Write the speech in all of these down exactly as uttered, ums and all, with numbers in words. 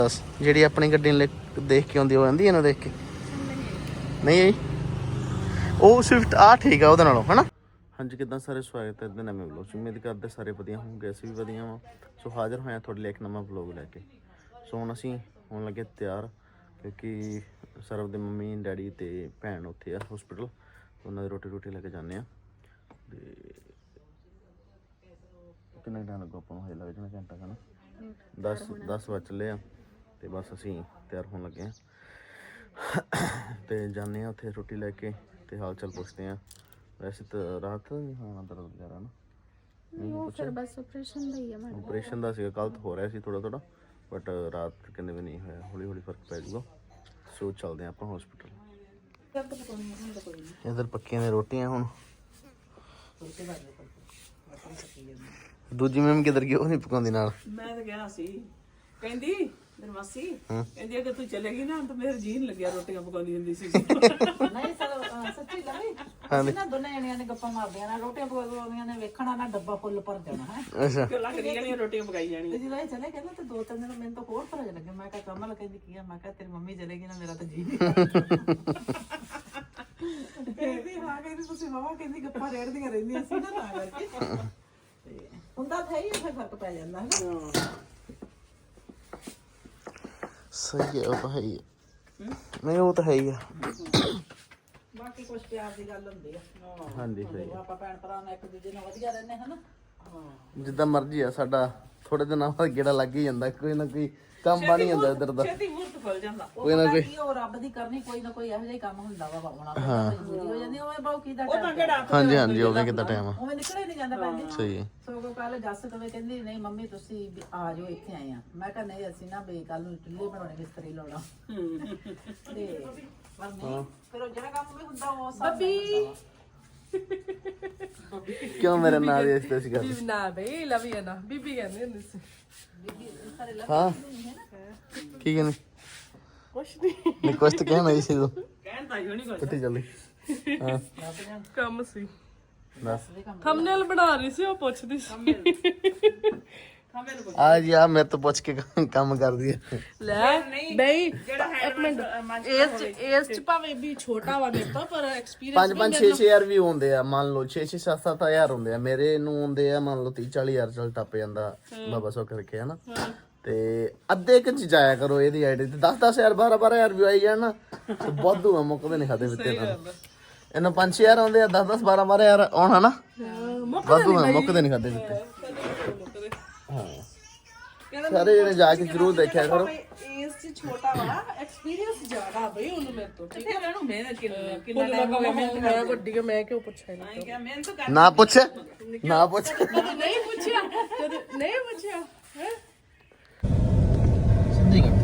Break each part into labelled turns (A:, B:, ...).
A: ਬਸ ਜਿਹੜੀ ਆਪਣੀ ਗੱਡੀ ਨੂੰ ਦੇਖ ਕੇ ਆਉਂਦੀ ਉਹ ਆਂਦੀ ਇਹਨੂੰ ਦੇਖ ਕੇ ਨਹੀਂ ਆਈ ਉਹ ਸਵਿਫਟ ਆ ਠੀਕ ਆ ਉਹਦੇ ਨਾਲੋਂ ਹਨਾ। ਹਾਂਜੀ ਕਿੱਦਾਂ ਸਾਰੇ ਸਵਾਗਤ ਹੈ ਇਹਦੇ ਨਵੇਂ ਵਲੋਗ 'ਚ। ਉਮੀਦ ਕਰਦੇ ਸਾਰੇ ਵਧੀਆ ਹੋਣਗੇ, ਅਸੀਂ ਵੀ ਵਧੀਆ ਵਾਂ। ਸੋ ਹਾਜ਼ਰ ਹੋਇਆ ਤੁਹਾਡੇ ਲਈ ਇੱਕ ਨਵਾਂ ਵਲੋਗ ਲੈ ਕੇ। ਸੋ ਹੁਣ ਅਸੀਂ ਹੋਣ ਲੱਗੇ ਤਿਆਰ ਕਿਉਂਕਿ ਸਰਵ ਦੇ ਮੰਮੀ ਡੈਡੀ ਅਤੇ ਭੈਣ ਉੱਥੇ ਆ ਹੋਸਪਿਟਲ, ਉਹਨਾਂ ਦੀ ਰੋਟੀ ਰੋਟੀ ਲੈ ਕੇ ਜਾਂਦੇ ਹਾਂ। ਅਤੇ ਕਿੰਨਾ ਟਾਈਮ ਲੱਗੂ ਆਪਾਂ ਨੂੰ? ਹਜੇ ਲੱਗ ਜਾਣਾ ਘੰਟਾ ਹੈ ਨਾ, ਦਸ ਦਸ ਵੱਜ ਚੱਲੇ ਆ ਅਤੇ ਬਸ ਅਸੀਂ ਤਿਆਰ ਹੋਣ ਲੱਗੇ ਹਾਂ ਅਤੇ ਜਾਂਦੇ ਹਾਂ ਉੱਥੇ ਰੋਟੀ ਲੈ ਕੇ ਅਤੇ ਹਾਲ ਚਾਲ ਪੁੱਛਦੇ ਹਾਂ। ਵੈਸੇ ਤਾਂ ਰਾਤ ਨਹੀਂ ਹੋਣਾ ਦਰਦ ਵਗੈਰਾ ਨਾ, ਆਪਰੇਸ਼ਨ ਦਾ ਸੀਗਾ, ਕੱਲ੍ਹ ਤਾਂ ਹੋ ਰਿਹਾ ਸੀ ਥੋੜ੍ਹਾ ਥੋੜ੍ਹਾ, ਬਟ ਰਾਤ ਕਹਿੰਦੇ ਵੀ ਨਹੀਂ ਹੋਇਆ, ਹੌਲੀ ਹੌਲੀ ਫਰਕ ਪੈ ਜਾਊਗਾ। ਸੋ ਚੱਲਦੇ ਹਾਂ ਆਪਾਂ ਹੋਸਪਿਟਲ। ਇੱਧਰ ਪੱਕੀਆਂ ਨੇ ਰੋਟੀਆਂ। ਹੁਣ ਦੂਜੀ ਮੈਮ ਕਿੱਧਰ ਗਈ? ਉਹ ਨਹੀਂ ਪਕਾਉਂਦੀ ਨਾਲ।
B: ਮੈਂ ਤਾਂ ਕਿਹਾ ਸੀ, ਕਹਿੰਦੀ ਮੇਰੀ ਮਾਸੀ ਕਹਿੰਦੀ ਅਗਰ ਤੂੰ ਚਲੇਗੀ ਨਾ ਤਾਂ ਮੇਰੇ ਜੀਣ ਲੱਗਿਆ ਰੋਟੀਆਂ ਪਕਾਉਂਦੀ ਹੁੰਦੀ ਸੀ।
C: ਨਹੀਂ ਸੱਚੀ ਲਵੀ ਅਸੀਂ ਨਾ ਦੋਨੇ ਜਣੀਆਂ ਨੇ ਗੱਪਾਂ ਮਾਰਦੀਆਂ ਨਾ, ਰੋਟੀਆਂ ਪਕਾਉਂਦੀਆਂ ਨੇ, ਵੇਖਣਾ ਨਾ ਡੱਬਾ ਫੁੱਲ ਭਰ ਜਾਣਾ ਹੈ।
A: ਅੱਛਾ
B: ਕਿ ਲੱਗ ਰਹੀਆਂ ਰੋਟੀਆਂ ਪਕਾਈ ਜਾਣੀਆਂ।
C: ਜਦੋਂ ਇਹ ਚਲੇ ਕਹਿੰਦਾ ਤੇ ਦੋ ਤਿੰਨ ਦਿਨ ਮੈਨੂੰ ਤਾਂ ਹੋਰ ਭਰਜ ਲੱਗੇ। ਮੈਂ ਕਿਹਾ ਕਮਲ ਕਹਿੰਦੀ ਕੀ ਆ? ਮੈਂ ਕਿਹਾ ਤੇਰੀ ਮੰਮੀ ਚਲੇਗੀ ਨਾ ਮੇਰਾ ਤਾਂ ਜੀ ਨਹੀਂ ਕਹਿੰਦੀ ਹਾਂ, ਕਹਿੰਦੀ ਤੁਸੀਂ ਮਾਵਾ ਕਹਿੰਦੀ ਗੱਪਾਂ ਰੇੜਦੀਆਂ ਰਹਿੰਦੀਆਂ ਸੀ ਨਾ ਤਾਂ ਕਰਕੇ ਹੁੰਦਾ ਤਾਂ ਹੀ ਫਿਰ ਫਰਕ ਪੈ ਜਾਂਦਾ ਹੈ ਨਾ।
A: ਸਹੀ ਹੈ, ਉਹ ਤਾਂ ਹੈ ਹੀ ਹੈ। ਨਹੀਂ ਉਹ ਤਾਂ ਹੈ ਹੀ ਆ,
C: ਬਾਕੀ ਕੁਛ ਪਿਆਰ ਦੀ ਗੱਲ ਹੁੰਦੀ ਆ।
A: ਹਾਂਜੀ ਸਹੀ ਹੈ।
C: ਆਪਾਂ ਭੈਣ ਭਰਾ ਨਾਲ ਇੱਕ ਦੂਜੇ ਨਾਲ ਵਧੀਆ ਰਹਿੰਦੇ ਹਨਾ।
A: ਜਿੱਦਾਂ ਮਰਜ਼ੀ ਆ ਸਾਡਾ, ਥੋੜੇ ਦਿਨਾਂ ਬਾਅਦ ਗੇੜਾ ਲੱਗ ਹੀ ਜਾਂਦਾ, ਕੋਈ ਨਾ ਕੋਈ ਕੰਮ ਬਣ ਹੀ ਜਾਂਦਾ ਇੱਧਰ ਦਾ,
B: ਛੇਤੀ ਮੂਰਤ ਖੁੱਲ ਜਾਂਦਾ।
A: ਕੋਈ ਨਾ ਕੋਈ।
C: ਉਹ ਰੱਬ ਦੀ ਕਰਨੀ ਕੋਈ ਨਾ ਕੋਈ ਇਹੋ ਜਿਹਾ ਹੀ ਕੰਮ ਹੁੰਦਾ ਵਾ ਬਾਉਣਾ ਮਜਬੂਰੀ ਹੋ ਜਾਂਦੀ। ਉਵੇਂ ਬਾਉ ਕੀ ਦਾ
A: ਹਾਂਜੀ ਹਾਂਜੀ ਉਹਵੇਂ ਕਿੱਦਾਂ ਟਾਈਮ ਆ,
C: ਉਵੇਂ ਨਿਕਲੇ ਨਹੀਂ ਜਾਂਦਾ ਭੈਣ ਜੀ।
A: ਸਹੀ ਹੈ।
C: ਸੋ ਕੱਲ ਜੱਸ ਕਵੇ ਕਹਿੰਦੀ ਨਹੀਂ ਮੰਮੀ ਤੁਸੀਂ ਆ ਜਾਓ ਇੱਥੇ ਆਏ ਆ। ਮੈਂ ਕਿਹਾ ਨਹੀਂ ਅਸੀਂ ਨਾ ਬੇ ਕੱਲ ਨੂੰ ਚੁੱਲ੍ਹੇ ਬਣਾਉਣੇ, ਮਿਸਤਰੀ ਲਾਉਣਾ ਤੇ ਪਰ ਨਹੀਂ ਫਿਰ ਉਹ ਜਿਹੜਾ ਕੰਮ ਵੀ ਹੁੰਦਾ ਉਹ ਸਭ
A: ਕਿਉਂ ਮੇਰੇ ਨਾਲ ਇਸ ਤੇ ਸੀ ਗੱਲ?
D: ਨਾ ਬਈ ਲਵੀ ਨਾ ਬੀਬੀ ਕਹਿੰਦੇ ਹੁੰਦੇ ਸੀ।
A: ਹਾਂ ਕੀ ਕਹਿੰਦੇ?
B: ਕੁਛ ਨਹੀਂ
A: ਨਹੀਂ ਕੁਛ ਤਾਂ ਕਹਿਣਾ ਹੀ ਸੀ ਤੂੰ,
B: ਕਹਿੰਦਾ ਹੀ ਨਹੀਂ ਕੁਛ।
A: ਕਿੱਥੇ ਚੱਲੀ? ਹਾਂ
D: ਕੰਮ ਸੀ,
A: ਦੱਸ।
D: ਥੰਬਨੇਲ ਬਣਾ ਰਹੀ ਸੀ, ਉਹ ਪੁੱਛਦੀ ਸੀ
A: ਆ ਜੀ ਆ ਮੇਰੇ ਤੋਂ ਪੁੱਛ ਕੇ ਕੰਮ ਕਰਦੀ ਹੈ।
D: ਲੈ ਬਈ ਇੱਕ ਮਿੰਟ, ਇਸ ਇਸ ਚ ਭਾਵੇਂ ਵੀ ਛੋਟਾ ਵਾ ਮੇਰੇ ਤੋਂ ਪਰ ਐਕਸਪੀਰੀਅੰਸ
A: ਪੰਜ ਪੰਜ ਛੇ ਛੇ ਹਜ਼ਾਰ ਵੀ ਹੁੰਦੇ ਆ, ਮੰਨ ਲਓ ਛੇ ਛੇ ਸੱਤ ਸੱਤ ਹਜ਼ਾਰ ਹੁੰਦੇ ਆ। ਮੇਰੇ ਨੂੰ ਹੁੰਦੇ ਆ ਮੰਨ ਲਓ ਤੀਹ ਚਾਲੀ ਹਜ਼ਾਰ ਚੱਲ ਟੱਪ ਜਾਂਦਾ ਬਾਬਾ ਸੋ ਕਰਕੇ ਹਨਾ। ਤੇ ਅੱਧੇ ਕੁ ਚ ਜਾਇਆ ਕਰੋ ਇਹਦੀ ਆਈਡੀ ਤੇ, ਦਸ ਦਸ ਹਜ਼ਾਰ ਬਾਰਾਂ ਬਾਰਾਂ ਹਜ਼ਾਰ ਵੀ ਆਈ ਜਾਣ ਨਾ ਤੇ ਵਾਧੂ ਆ, ਮੁੱਕਦੇ ਨਹੀਂ ਖਾਦੇ ਵਿੱਤੇ ਨਾਲ। ਇਹਨਾਂ ਪੰਜ ਛੇ ਹਜ਼ਾਰ ਆਉਂਦੇ ਆ, ਦਸ ਦਸ ਬਾਰਾਂ ਬਾਰਾਂ ਹਜ਼ਾਰ ਆਉਣ ਹਨਾ, ਵਾਧੂ ਆ, ਮੁੱਕਦੇ ਨਹੀਂ ਖਾਦੇ ਵਿੱਤੇ। ਹਾਂ ਸਾਰੇ ਜਣੇ ਜਾ ਕੇ ਜ਼ਰੂਰ ਦੇਖਿਆ ਕਰੋ।
D: ਇਸ ਚ ਛੋਟਾ ਵਾ, ਐਕਸਪੀਰੀਅੰਸ ਜ਼ਿਆਦਾ ਬਈ ਉਹਨੂੰ ਮੇਰੇ ਤੋਂ।
B: ਕਿੱਥੇ ਮੈਨੂੰ ਮਿਹਨਤ ਕਿੰਨਾ ਕਿੰਨਾ
D: ਕਿੰਨਾ ਮੈਂ ਵੱਡੀ ਆ, ਮੈਂ ਕਿਉਂ ਪੁੱਛਿਆ ਨਹੀਂ?
B: ਕਿਹਾ ਮਿਹਨਤ ਕਰ।
A: ਨਾ ਪੁੱਛ ਨਾ ਪੁੱਛ
D: ਕਦੇ ਨਹੀਂ ਪੁੱਛਿਆ, ਕਦੇ ਨਹੀਂ ਪੁੱਛਿਆ ਹੈ।
A: ਸਿੰਧੀ ਕਰ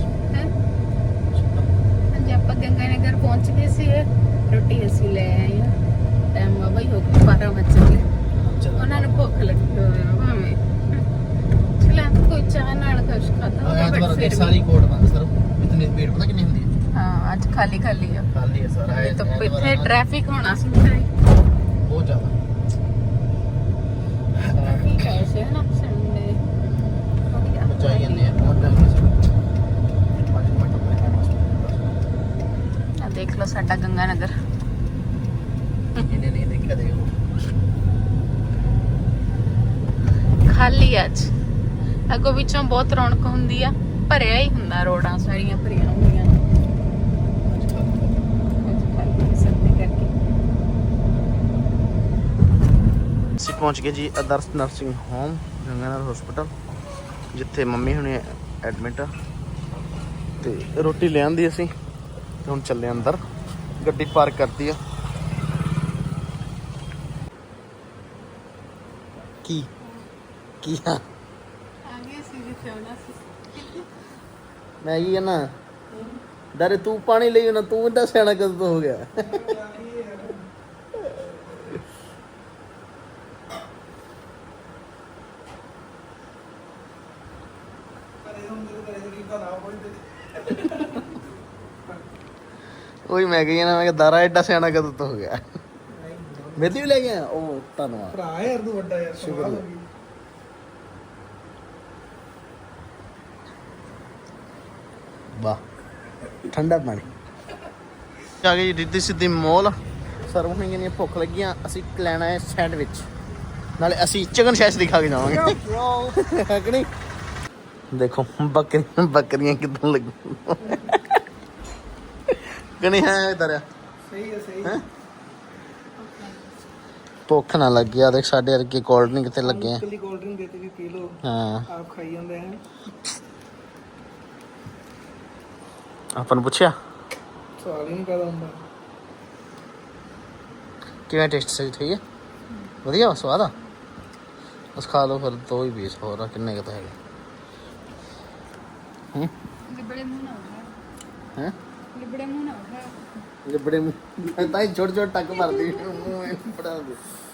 E: ਹਾਂਜੀ ਆਪਾਂ ਗੰਗਾ ਨਗਰ ਪਹੁੰਚ ਗਏ ਸੀ। ਰੋਟੀ ਅਸੀਂ ਲੈ ਆਏ ਆ, ਟਾਈਮ ਬਾਬਾ ਹੀ ਹੋ ਗਿਆ ਬਾਰਾਂ ਵਜੇ। ਉਹਨਾਂ ਨੂੰ ਭੁੱਖ ਲੱਗੀ ਹੋਈ ਆ ਭਾਵੇਂ ਚਲਾ ਕੋਈ ਚਾਹ ਨਾਲ ਕੁਛ ਖਾਦਾ ਹੋਗਾ, ਬਟ ਫਿਰ
A: ਸਾਰੀ ਕੋਟ ਬੰਦ ਸਰ ਇਤਨੀ ਭੀੜ ਪਤਾ ਕਿੰਨੀ ਹੁੰਦੀ ਹੈ?
E: ਹਾਂ ਅੱਜ ਖਾਲੀ ਖਾਲੀ ਆ,
A: ਖਾਲੀ ਹੈ ਸਾਰਾ ਇਹ
E: ਤਾਂ ਇੱਥੇ ਟ੍ਰੈਫਿਕ ਹੋਣਾ ਸੀ ਫਿਰ
A: ਬਹੁਤ ਜ਼ਿਆਦਾ।
E: ਠੀਕ ਹੈ ਸੇ ਨਾ ਸੰਡੇ ਵਧੀਆ
A: ਬਚਾਈ ਜਾਂਦੇ ਆ ਬਹੁਤ ਟਾਈਮ ਨਹੀਂ ਪੰਜ ਮਿੰਟ ਆਪਣੇ
E: ਆ ਦੇਖ ਲਓ ਸਾਡਾ ਗੰਗਾ ਨਗਰ
A: ਇਹਨੇ ਨਹੀਂ ਦੇਖਿਆ ਦੇਖੋ
E: ਖਾਲੀ ਅੱਜ। ਅੱਗੋਂ ਵਿੱਚੋਂ ਬਹੁਤ ਰੌਣਕ ਹੁੰਦੀ ਆ, ਭਰਿਆ ਹੀ ਹੁੰਦਾ, ਰੋਡਾਂ ਸਾਰੀਆਂ ਭਰੀਆਂ ਹੁੰਦੀਆਂ ਨੇ।
A: ਅਸੀਂ ਪਹੁੰਚ ਗਏ ਜੀ Adarsh nursing home Ganganagar hospital, ਜਿੱਥੇ ਮੰਮੀ ਹੁਣੇ ਐਡਮਿਟ ਆ। ਤੇ ਰੋਟੀ ਲੈ ਆਂਦੀ ਅਸੀਂ ਤੇ ਹੁਣ ਚੱਲੇ ਅੰਦਰ, ਗੱਡੀ ਪਾਰਕ ਕਰਤੀ ਆ। ਕੀ ਕੀ ਆ
E: ਆਗੇ ਸੀ ਜਿੱਥੇ ਆਉਣਾ ਸੀ।
A: ਮੈਂ ਕੀ ਨਾ ਡਰੇ ਤੂੰ ਪਾਣੀ ਲਈ ਨਾ, ਤੂੰ ਇੰਨਾ ਸਿਆਣਾ ਕਦੋਂ ਤੋਂ ਹੋ ਗਿਆ? ਉਹੀ ਮੈਂ ਕਹੀ ਨਾ, ਮੈਂ ਕਿਹਾ ਦਾਰਾ ਐਡਾ ਸਿਆਣਾ ਕਦੋਂ ਤੋਂ ਹੋ ਗਿਆ? ਮੇਰੀ ਵੀ ਲੈ ਗਿਆ। ਉਹ ਧੰਨਵਾਦ
F: ਭਰਾ ਯਾਰ ਤੂੰ ਵੱਡਾ ਯਾਰ,
A: ਸ਼ੁਕਰ। ਵਾਹ ਠੰਡਾ ਪਾਣੀ ਆ ਗਈ ਰਿੱਧੀ ਸਿੱਧੀ ਮੋਲ ਸਰਵ ਹੋਈਆਂ ਨੇ ਭੁੱਖ ਲੱਗੀਆਂ ਅਸੀਂ ਲੈਣਾ ਹੈ ਸੈਂਡਵਿਚ ਨਾਲੇ ਅਸੀਂ ਚਿਕਨ ਸ਼ੈਸ਼ ਦਿਖਾ ਕੇ ਜਾਵਾਂਗੇ ਹੈ ਕਿ ਨਹੀਂ ਦੇਖੋ ਬੱਕਰੀਆਂ ਬੱਕਰੀਆਂ ਕਿੱਦਾਂ ਲੱਗੀਆਂ ਕਿ ਨਹੀਂ ਹੈ ਇਧਰ
B: ਸਹੀ ਹੈ ਸਹੀ
A: ਹੈ ਭੁੱਖ ਨਾ ਲੱਗੀ ਆ ਦੇਖ ਸਾਡੇ ਵਰਗੇ ਕੋਲਡ ਡਰਿੰਕ ਤੇ ਲੱਗੇ ਆ
B: ਕੱਲੀ ਕੋਲਡ ਡਰਿੰਕ ਦੇਤੇ ਵੀ ਪੀ ਲਓ
A: ਹਾਂ
B: ਆਪ ਖਾਈ ਜਾਂਦੇ ਹਨ
A: ਆਪਾਂ ਨੂੰ ਪੁੱਛਿਆ
B: ਸਵਾਲ ਹੀ ਨਹੀਂ ਪੈਦਾ ਹੁੰਦਾ
A: ਕਿਵੇਂ ਟੇਸਟ ਸਹੀ ਠੀਕ ਹੈ ਵਧੀਆ ਸਵਾਦ ਆ ਉਸ ਖਾ ਲਓ ਫਿਰ ਦੋ ਹੀ ਪੀਸ ਹੋਰ ਆ ਕਿੰਨੇ ਕੁ ਤਾਂ ਹੈਗੇ ਹੂੰ
E: ਲਿਬੜੇ ਮੂੰਹ ਨਾ ਉਠਾ
A: ਹੈ
E: ਲਿਬੜੇ ਮੂੰਹ ਨਾ ਉਠਾ
A: ਲਿਬੜੇ ਮੂੰਹ ਤਾਂ ਹੀ ਛੋਟੇ ਛੋਟੇ ਟੱਕ ਮਾਰਦੀ ਮੂੰਹ ਬੜਾ ਦੇ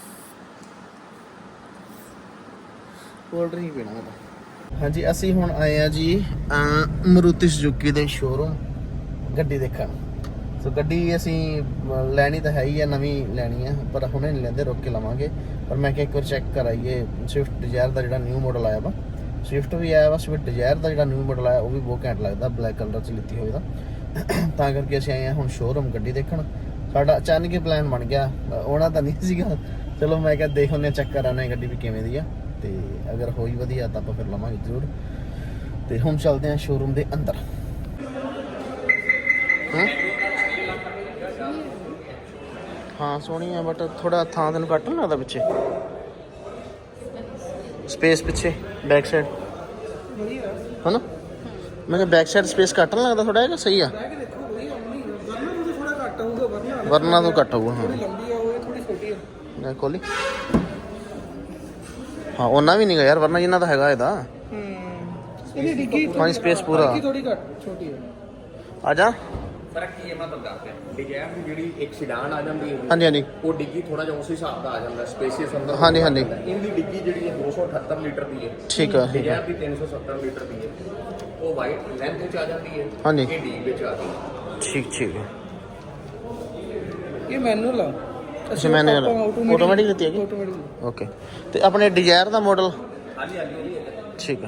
A: ਕੋਲਡ ਡਰਿੰਕ ਪੀਣਾ ਮੈਂ ਹਾਂਜੀ ਅਸੀਂ ਹੁਣ ਆਏ ਆ ਜੀ ਮਾਰੂਤੀ ਸੁਜ਼ੂਕੀ ਦੇ ਸ਼ੋਰੂਮ ਗੱਡੀ ਦੇਖਣ ਸੋ ਗੱਡੀ ਅਸੀਂ ਲੈਣੀ ਤਾਂ ਹੈ ਹੀ ਆ ਨਵੀਂ ਲੈਣੀ ਆ ਪਰ ਹੁਣੇ ਨਹੀਂ ਲੈਂਦੇ ਰੁਕ ਕੇ ਲਵਾਂਗੇ ਪਰ ਮੈਂ ਕਿਹਾ ਇੱਕ ਵਾਰ ਚੈੱਕ ਕਰਾਈਏ ਸਵਿਫਟ ਡਿਜ਼ਾਇਰ ਦਾ ਜਿਹੜਾ ਨਿਊ ਮਾਡਲ ਆਇਆ ਵਾ ਸਵਿਫਟ ਵੀ ਆਇਆ ਵਾ ਸਵਿਫਟ ਡਿਜ਼ਾਇਰ ਦਾ ਜਿਹੜਾ ਨਿਊ ਮਾਡਲ ਆਇਆ ਉਹ ਵੀ ਬਹੁਤ ਘੈਂਟ ਲੱਗਦਾ ਬਲੈਕ ਕਲਰ 'ਚ ਲਿੱਤੀ ਹੋਈ ਦਾ ਤਾਂ ਕਰਕੇ ਅਸੀਂ ਆਏ ਹਾਂ ਹੁਣ ਸ਼ੋਰੂਮ ਗੱਡੀ ਦੇਖਣ ਸਾਡਾ ਅਚਾਨਕ ਹੀ ਪਲਾਨ ਬਣ ਗਿਆ ਆਉਣਾ ਤਾਂ ਨਹੀਂ ਸੀਗਾ ਚਲੋ ਮੈਂ ਕਿਹਾ ਦੇਖ ਹੁੰਦੇ ਚੈੱਕ ਕਰਾਂਗੇ ਗੱਡੀ ਵੀ ਕਿਵੇਂ ਦੀ ਆ ਤੇ ਅਗਰ ਹੋਈ ਵਧੀਆ ਤਾਂ ਆਪਾਂ ਫਿਰ ਲਵਾਂਗੇ ਜ਼ਰੂਰ ਤੇ ਹੁਣ ਚੱਲਦੇ ਹਾਂ ਸ਼ੋਰੂਮ ਦੇ ਅੰਦਰ ਹਾਂ ਹਾਂ ਸੋਹਣੀ ਆ ਬਟ ਥੋੜਾ ਥਾਂ ਤੈਨੂੰ ਘੱਟ ਨਹੀਂ ਲੱਗਦਾ ਪਿੱਛੇ ਸਪੇਸ ਪਿੱਛੇ ਬੈਕ ਸਾਈਡ ਹਨਾ ਮੈਂ ਕਿਹਾ ਬੈਕ ਸਾਈਡ ਸਪੇਸ ਘੱਟ ਨਹੀਂ ਲੱਗਦਾ ਥੋੜਾ ਜਿਹਾ ਸਹੀ ਆ ਵਰਨਾ ਤੋਂ ਘੱਟ ਹੋਊਗਾ ਹਾਂ ਲੈ ਕੋਲੀ ਹਾਂ ਉਹਨਾਂ ਵੀ ਨਹੀਂ ਗਾ ਯਾਰ ਵਰਨਾ ਜਿੰਨਾ ਤਾਂ ਹੈਗਾ ਇਹਦਾ
B: ਇਹਦੀ ਡਿੱਗੀ
A: ਪਾਣੀ ਸਪੇਸ ਪੂਰਾ
B: ਥੋੜੀ ਘੱਟ ਛੋਟੀ ਹੈ
A: ਆ ਜਾ
F: ਫਰਕ ਕੀ ਹੈ ਮੈਂ ਤੁਹਾਨੂੰ ਦੱਸਦਾ ਡਿਜ਼ਾਇਰ ਦੀ ਜਿਹੜੀ ਇੱਕ ਸਿਡਾਨ ਆ ਜਾਂਦੀ ਹੈ
A: ਹਾਂਜੀ ਹਾਂਜੀ
F: ਉਹ ਡਿੱਗੀ ਥੋੜਾ ਜਿਹਾ ਉਸ ਹਿਸਾਬ ਦਾ ਆ ਜਾਂਦਾ ਸਪੇਸੀਅਸ ਅੰਦਰ
A: ਹਾਂਜੀ, ਹਾਂਜੀ।
F: ਇਹਦੀ ਡਿੱਗੀ ਜਿਹੜੀ ਹੈ ਦੋ ਸੌ ਅਠੱਤਰ ਲੀਟਰ ਦੀ ਹੈ
A: ਠੀਕ ਆ ਠੀਕ ਆ
F: ਡਿਜ਼ਾਇਰ ਦੀ ਤਿੰਨ ਸੌ ਸੱਤਰ ਲੀਟਰ ਦੀ ਹੈ ਉਹ ਵਾਈਟ ਲੈਂਥ ਵਿੱਚ ਆ ਜਾਂਦੀ ਹੈ
A: ਹਾਂਜੀ।
F: ਇਹ ਡੀਪ ਵਿੱਚ ਆ ਜਾਂਦੀ ਹੈ
A: ਠੀਕ ਠੀਕ ਹੈ
B: ਇਹ ਮੈਨੂਅਲ ਆ
A: ਅੱਛਾ ਮੈਨੇ ਆਟੋਮੈਟਿਕ ਦਿੱਤੀ ਹੈਗੀ
B: ਆਟੋਮੈਟਿਕ
A: ਓਕੇ ਤੇ ਆਪਣੇ ਡਿਜ਼ਾਇਰ ਦਾ ਮਾਡਲ
F: ਹਾਂਜੀ ਹਾਂਜੀ
A: ਠੀਕ ਹੈ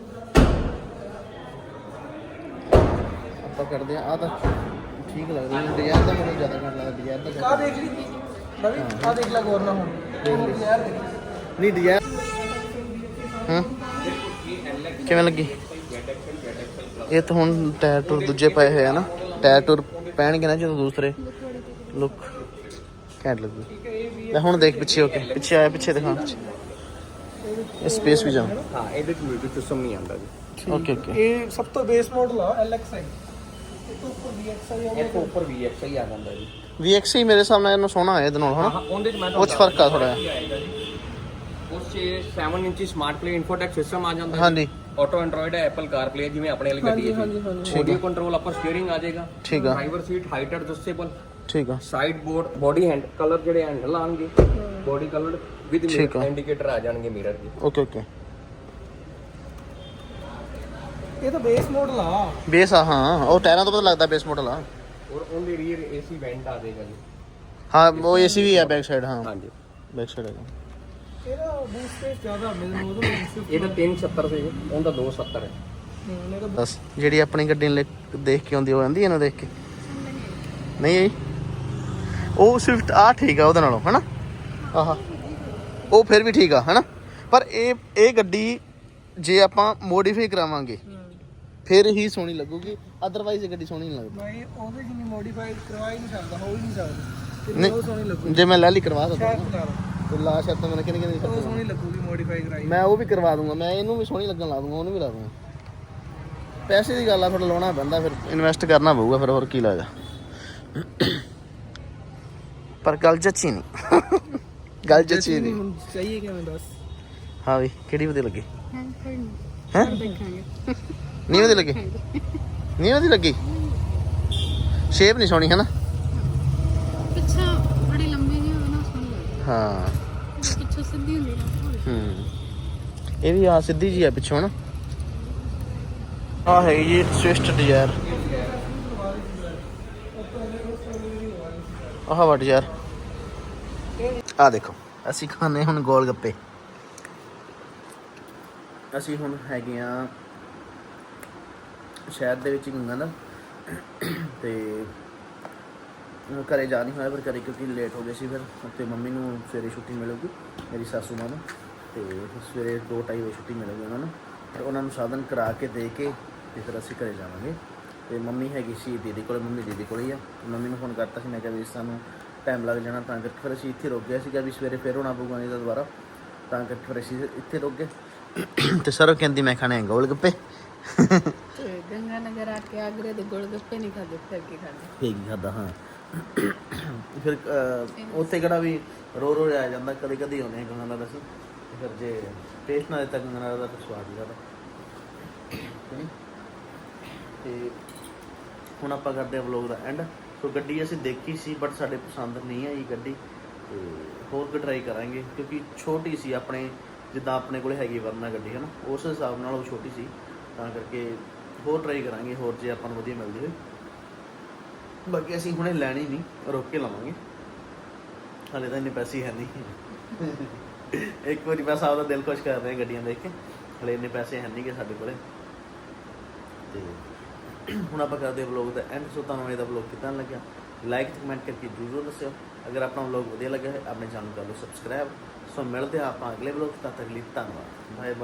A: ਆਪਾਂ ਕਰਦੇ ਆ ਆ ਤਾਂ ਠੀਕ ਲੱਗਦਾ ਮੈਨੂੰ ਡਿਜ਼ਾਇਰ ਦਾ ਮਾਡਲ ਜ਼ਿਆਦਾ ਘੱਟ ਲੱਗਦਾ ਡਿਜ਼ਾਇਰ ਦਾ
B: ਆ ਦੇਖ ਲਈ ਨਵੀਂ ਆ ਦੇਖ ਲੈ ਗੌਰ ਨਾਲ ਹੁਣ ਯਾਰ ਦੇਖ
A: ਨਹੀਂ ਡਿਜ਼ਾਇਰ ਹਾਂ ਕਿਵੇਂ ਲੱਗੀ ਇਹ ਤਾਂ ਹੁਣ ਟਾਇਰ ਟੂਰ ਦੂਜੇ ਪਏ ਹੋਏ ਆ ਨਾ ਟਾਇਰ ਟੂਰ ਪੈਣਗੇ ਨਾ ਜਦੋਂ ਦੂਸਰੇ ਲੁੱਕ ਘੈਂਟ ਲੱਗੂ ਲੈ ਹੁਣ ਦੇਖ ਪਿੱਛੇ ਹੋ ਕੇ ਪਿੱਛੇ ਆਇਆ ਪਿੱਛੇ ਦਿਖਾ ਇਹ ਸਪੇਸ ਵੀ ਜਾ
F: ਹਾਂ ਇਹਦੇ ਚ ਮਿਊਜ਼ਿਕ ਸਿਸਟਮ ਨਹੀਂ ਆਉਂਦਾ ਜੀ
A: ਓਕੇ ਓਕੇ
B: ਇਹ ਸਭ ਤੋਂ ਬੇਸ ਮਾਡਲ ਆ ਐਲ ਐਕਸ ਆਈ ਇਹ ਤੋਂ ਉੱਪਰ ਵੀ ਐਕਸ ਆਈ
F: ਇਹ ਤੋਂ ਉੱਪਰ ਵੀ ਐਕਸ ਹੀ ਆ ਜਾਂਦਾ ਜੀ
A: ਵੀ ਐਕਸ ਹੀ ਮੇਰੇ ਹਿਸਾਬ ਨਾਲ ਇਹਨੂੰ ਸੋਹਣਾ ਹੈ ਇਹਦੇ ਨਾਲ
F: ਹਾਂ
A: ਹਨਾ
F: ਉਹਦੇ ਚ ਮੈਂ
A: ਉਹ 'ਚ ਫਰਕ ਆ ਥੋੜ੍ਹਾ
F: ਜਿਹਾ ਆਏਗਾ ਜੀ ਉਸ 'ਚ ਸੈਵਨ ਇੰਚੀ ਸਮਾਰਟ ਪਲੇ ਇਨਫੋਟੈਕ ਸਿਸਟਮ ਆ ਜਾਂਦਾ
A: ਹਾਂਜੀ
F: ਆਟੋ ਐਂਡਰੋਇਡ ਹੈ ਐਪਲ ਕਾਰ ਪਲੇ ਜਿਵੇਂ ਆਪਣੇ ਵਾਲੀ ਗੱਡੀ ਹੈ ਜੀ ਆਡੀਓ ਕੰਟਰੋਲ ਅਪਰ ਸਟੀਅਰਿੰਗ ਆ ਜਾਏਗਾ
A: ਠੀਕ ਆ
F: ਡਰਾਈਵਰ ਸੀਟ ਹਾਈਟ ਐਡਜਸਟੇਬਲ
A: ਠੀਕ ਆ
F: side board body hand colour ਜਿਹੜੇ ਹੈਂਡਲ ਆਣਗੇ ਬੋਡੀ ਕਲਰਡ ਵਿਦ
A: ਠੀਕ ਆ।
F: ਇੰਡੀਕੇਟਰ ਆ ਜਾਣਗੇ ਮਿਰਰ ਦੇ
A: ਓਕੇ ਓਕੇ
B: ਇਹ ਤਾਂ ਬੇਸ ਮਾਡਲ ਆ
A: ਬੇਸ ਆ ਹਾਂ ਉਹ ਟਾਇਰਾਂ ਤੋਂ ਪਤਾ ਲੱਗਦਾ ਬੇਸ ਮਾਡਲ ਆ
F: ਔਰ ਉਹਦੇ ਰੀਅਰ ਏਸੀ ਵੈਂਟ ਆ ਜਾਏਗਾ ਜੀ
A: ਹਾਂ ਉਹ ਏਸੀ ਵੀ ਆ ਬੈਕ ਸਾਈਡ ਹਾਂ
F: ਹਾਂਜੀ
A: ਬੈਕ ਸਾਈਡ ਹੈਗਾ
B: ਇਹਦਾ ਬੂਟ ਸਪੇਸ ਜ਼ਿਆਦਾ ਮੈਨੂੰ ਉਹਦਾ
F: ਇਹ ਤਾਂ ਤਿੰਨ ਸੌ ਸੱਤਰ ਸੀ ਉਹਦਾ ਦੋ ਸੌ ਸੱਤਰ ਹੈ
B: ਇਹਦਾ
A: ਬਸ ਜਿਹੜੀ ਆਪਣੀ ਗੱਡੀ ਨੂੰ ਲੈ- ਦੇਖ ਕੇ ਆਉਂਦੀ ਉਹ ਆਂਦੀ ਇਹਨੂੰ ਦੇਖ ਕੇ ਨਹੀਂ ਆਈ ਉਹ ਸਵਿਫਟ ਆ ਠੀਕ ਆ ਉਹਦੇ ਨਾਲੋਂ ਹਨਾ ਆਹਾ ਉਹ ਫਿਰ ਵੀ ਠੀਕ ਆ ਹਨਾ ਪਰ ਇਹ ਇਹ ਗੱਡੀ ਜੇ ਆਪਾਂ ਮੋਡੀਫਾਈ ਕਰਾਵਾਂਗੇ ਫਿਰ ਹੀ ਸੋਹਣੀ ਲੱਗੂਗੀ ਅਦਰਵਾਈਜ਼ ਇਹ ਗੱਡੀ ਸੋਹਣੀ ਨਹੀਂ ਲੱਗਦੀ
B: ਮੈਂ ਉਹਦੇ ਜਿੰਨੀ ਮੋਡੀਫਾਈ ਕਰਵਾ ਹੀ ਨਹੀਂ ਸਕਦਾ ਹੋ ਹੀ ਨਹੀਂ ਸਕਦਾ
A: ਨਹੀਂ।
B: ਉਹ ਸੋਹਣੀ ਲੱਗੂ
A: ਜੇ ਮੈਂ ਲੈ ਲਈ ਕਰਵਾ ਸਕਦਾ
B: ਸ਼ਾਇਦ ਲਾ ਲਓ।
A: ਤੇ ਲਾ ਸ਼ਰਤ ਮੈਂ ਕਿਹਨੇ ਕਿਹਨੇ
B: ਉਹ ਸੋਹਣੀ ਲੱਗੂਗੀ ਮੋਡੀਫਾਈ ਕਰਾਈ
A: ਮੈਂ ਉਹ ਵੀ ਕਰਵਾ ਦੂੰਗਾ ਮੈਂ ਇਹਨੂੰ ਵੀ ਸੋਹਣੀ ਲੱਗਣ ਲਾ ਦੂੰਗਾ ਉਹਨੂੰ ਵੀ ਲਾ ਦੂੰਗਾ ਪੈਸੇ ਦੀ ਗੱਲ ਆ ਥੋੜਾ ਲਾਉਣਾ ਪੈਂਦਾ ਫਿਰ ਇਨਵੈਸਟ ਕਰਨਾ ਪਊਗਾ ਫਿਰ ਹੋਰ ਕੀ ਲੱਗਦਾ ਪਰ ਗੱਲ ਜੱਚੀ ਨਹੀਂ ਗੱਲ ਜੱਚੀ ਨਹੀਂ
B: ਹੁਣ ਚਾਹੀਏ ਕਿਵੇਂ ਦੱਸ
A: ਹਾਂ ਵੀ ਕਿਹੜੀ ਵਧੀਆ ਲੱਗੀ
E: ਹਾਂ ਫਿਰ
A: ਹੈ
E: ਦੇਖਾਂਗੇ
A: ਨਹੀਂ ਵਧੀਆ ਲੱਗੀ ਨਹੀਂ ਵਧੀਆ ਲੱਗੀ ਸ਼ੇਪ ਨਹੀਂ ਸੋਹਣੀ ਹੈ ਨਾ
E: ਪਿੱਛਾ ਬੜੀ ਲੰਬੀ ਨਹੀਂ ਹੋਵੇ ਨਾ ਸੋਹਣੀ ਲੱਗਦੀ
A: ਹਾਂ
E: ਪਿੱਛੋਂ ਸਿੱਧੀ ਹੁੰਦੀ ਨਾ
A: ਹੂੰ ਇਹ ਵੀ ਆ ਸਿੱਧੀ ਜੀ ਆ ਪਿੱਛੋਂ ਨਾ ਆ ਹੈ ਜੀ ਸਵਿਫਟ ਡਿਜ਼ਾਇਰ ਆਹ ਵਾ ਡਿਜ਼ਾਇਰ ਆ ਦੇਖੋ ਅਸੀਂ ਖਾਣੇ ਹੁਣ ਗੋਲ ਗੱਪੇ ਅਸੀਂ ਹੁਣ ਹੈਗੇ ਆ ਸ਼ਹਿਰ ਦੇ ਵਿੱਚ ਹੀ ਹੁੰਦਾ ਨਾ, ਤੇ ਘਰੇ ਜਾ ਨਹੀਂ ਹੋਇਆ ਫਿਰ ਘਰੇ ਕਿਉਂਕਿ ਲੇਟ ਹੋ ਗਏ ਸੀ। ਫਿਰ ਉੱਥੇ ਮੰਮੀ ਨੂੰ ਸਵੇਰੇ ਛੁੱਟੀ ਮਿਲੂਗੀ, ਮੇਰੀ ਸਾਸੂ ਮਾਂ ਨੂੰ, ਤੇ ਫਿਰ ਸਵੇਰੇ ਦੋ ਢਾਈ ਵਜੇ ਛੁੱਟੀ ਮਿਲੂਗੀ ਉਹਨਾਂ ਨੂੰ। ਫਿਰ ਉਹਨਾਂ ਨੂੰ ਸਾਧਨ ਕਰਾ ਕੇ ਦੇ ਕੇ ਤੇ ਫਿਰ ਅਸੀਂ ਘਰੇ ਜਾਵਾਂਗੇ। ਤੇ ਮੰਮੀ ਹੈਗੀ ਸੀ ਦੀਦੀ ਕੋਲ, ਮੰਮੀ ਦੀਦੀ ਕੋਲ ਹੀ ਆ। ਮੰਮੀ ਨੂੰ ਫੋਨ ਕਰਤਾ ਸੀ, ਮੈਂ ਕਿਹਾ ਵੀ ਸਾਨੂੰ ਟਾਈਮ ਲੱਗ ਜਾਣਾ, ਤਾਂ ਕਰਕੇ ਫਿਰ ਅਸੀਂ ਇੱਥੇ ਰੁਕ ਗਏ ਸੀਗਾ ਵੀ ਸਵੇਰੇ ਫਿਰ ਹੋਣਾ ਪਊਗਾ ਨਹੀਂ ਤਾਂ ਦੁਬਾਰਾ, ਤਾਂ ਕਰਕੇ ਫਿਰ ਅਸੀਂ ਇੱਥੇ ਰੁਕ ਗਏ। ਤੇ ਸਰ ਕਹਿੰਦੀ ਮੈਂ ਖਾਣੇ ਗੋਲ ਗੱਪੇ,
E: ਤੇ ਗੰਗਾ ਨਗਰ ਆ ਕੇ ਆਗਰੇ ਦੇ ਗੋਲ ਗੱਪੇ ਨਹੀਂ ਖਾਦੇ, ਫਿਰ ਕੀ ਖਾਦੇ?
A: ਫੇਕ ਹੀ ਖਾਦਾ। ਹਾਂ ਫਿਰ ਅਹ, ਉੱਥੇ ਕਿਹੜਾ ਵੀ ਰੋ ਰੋ ਆ ਜਾਂਦਾ, ਕਦੇ ਕਦੇ ਆਉਂਦੇ ਗੰਗਾ ਨਾਲ ਅਸੀਂ, ਫਿਰ ਜੇ ਟੇਸਟ ਨਾ ਦਿੱਤਾ ਗੰਗਾ ਨਾਲ ਦਾ ਫਿਰ ਸਵਾਦ ਹੀ ਜ਼ਿਆਦਾ। ਤੇ ਹੁਣ ਆਪਾਂ ਕਰਦੇ ਹਾਂ ਵਲੋਗ ਦਾ ਐਂਡ। ਸੋ ਗੱਡੀ ਅਸੀਂ ਦੇਖੀ ਸੀ ਬਟ ਸਾਡੇ ਪਸੰਦ ਨਹੀਂ ਆਈ ਗੱਡੀ, ਤੇ ਹੋਰ ਵੀ ਟਰਾਈ ਕਰਾਂਗੇ ਕਿਉਂਕਿ ਛੋਟੀ ਸੀ, ਆਪਣੇ ਜਿੱਦਾਂ ਆਪਣੇ ਕੋਲ ਹੈਗੀ ਵਰਨਾ ਗੱਡੀ ਹੈ ਨਾ, ਉਸ ਹਿਸਾਬ ਨਾਲ ਉਹ ਛੋਟੀ ਸੀ, ਤਾਂ ਕਰਕੇ ਹੋਰ ਟਰਾਈ ਕਰਾਂਗੇ ਹੋਰ ਜੇ ਆਪਾਂ ਨੂੰ ਵਧੀਆ ਮਿਲਦੀ ਹੋਈ। ਬਾਕੀ ਅਸੀਂ ਹੁਣੇ ਲੈਣੀ ਨਹੀਂ, ਰੋਕ ਕੇ ਲਵਾਂਗੇ, ਹਾਲੇ ਤਾਂ ਇੰਨੇ ਪੈਸੇ ਹੈ ਨਹੀਂ। ਇੱਕ ਵਾਰੀ ਬਸ ਆਪਦਾ ਦਿਲ ਖੁਸ਼ ਕਰ ਰਹੇ ਗੱਡੀਆਂ ਦੇਖ ਕੇ, ਹਲੇ ਇੰਨੇ ਪੈਸੇ ਹੈ ਨਹੀਂ ਗੇ ਸਾਡੇ ਕੋਲੇ। ਤੇ ਹੁਣ ਆਪਾਂ ਕਰਦੇ ਵਲੋਗ ਦਾ ਐਂਡ। ਸੋ ਤੁਹਾਨੂੰ ਇਹਦਾ ਵਲੋਗ ਕਿੱਦਾਂ ਲੱਗਿਆ ਲਾਈਕ ਤੇ ਕਮੈਂਟ ਕਰਕੇ ਜ਼ਰੂਰ ਦੱਸਿਓ। ਅਗਰ ਆਪਣਾ ਵਲੋਗ ਵਧੀਆ ਲੱਗਿਆ ਹੈ ਆਪਣੇ ਚੈਨਲ ਕਰ ਲਓ ਸਬਸਕ੍ਰਾਈਬ। ਸੋ ਮਿਲਦੇ ਹਾਂ ਆਪਾਂ ਅਗਲੇ ਵਲੋਗ, ਤਦ ਤੱਕ ਲਈ ਧੰਨਵਾਦ, ਬਾਏ ਬਾਏ।